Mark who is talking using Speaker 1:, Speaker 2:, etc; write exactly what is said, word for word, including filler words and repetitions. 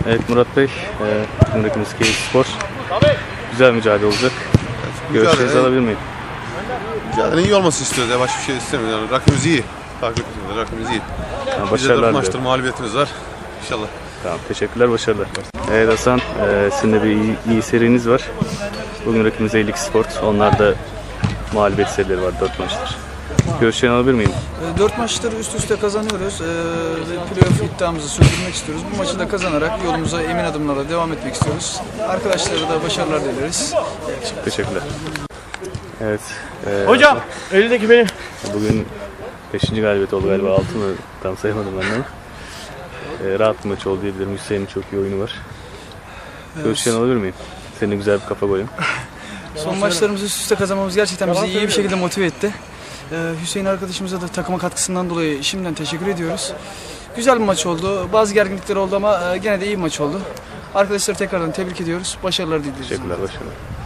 Speaker 1: Evet Murat Bey, e, rakibimiz Keyifspor. Güzel mücadele olacak. Görüşlerinizi alabilir miyim?
Speaker 2: Mücadelenin iyi olması istiyoruz ya, başka bir şey istemiyoruz. Yani rakibimiz iyi. Takip ediyoruz, rakibimiz iyi.
Speaker 1: Yani
Speaker 2: Bizde dört maçtır
Speaker 1: diliyorum.
Speaker 2: mağlubiyetimiz var. İnşallah.
Speaker 1: Tamam, teşekkürler, başarılar. Evet Hasan, e, sizin de bir iyi, iyi seriniz var. Bugün rakibimiz Eylik Sport. Onlar da mağlubiyet serileri var, dört maçtır. Görüşlerini alabilir miyim?
Speaker 3: Dört maçları üst üste kazanıyoruz ee, ve playoff iddiamızı sürdürmek istiyoruz. Bu maçı da kazanarak yolumuza emin adımlarla devam etmek istiyoruz. Arkadaşlara da başarılar dileriz.
Speaker 1: Teşekkürler. Evet. E,
Speaker 4: Hocam, elindeki benim.
Speaker 1: Bugün beşinci galibiyet oldu galiba, altı mı? Tam sayamadım ben de ama. E, rahat bir maç oldu diyebilirim. Hüseyin'in çok iyi oyunu var. Evet. Görüşlerini alabilir miyim? Senin de güzel bir kafa golün.
Speaker 3: Son maçlarımızı üst üste kazanmamız gerçekten bizi iyi bir şekilde motive etti. Ee, Hüseyin arkadaşımıza da takıma katkısından dolayı şimdiden teşekkür ediyoruz. Güzel bir maç oldu. Bazı gerginlikler oldu ama gene de iyi bir maç oldu. Arkadaşları tekrardan tebrik ediyoruz. Başarılar diliyoruz.
Speaker 1: Teşekkürler, başarılar.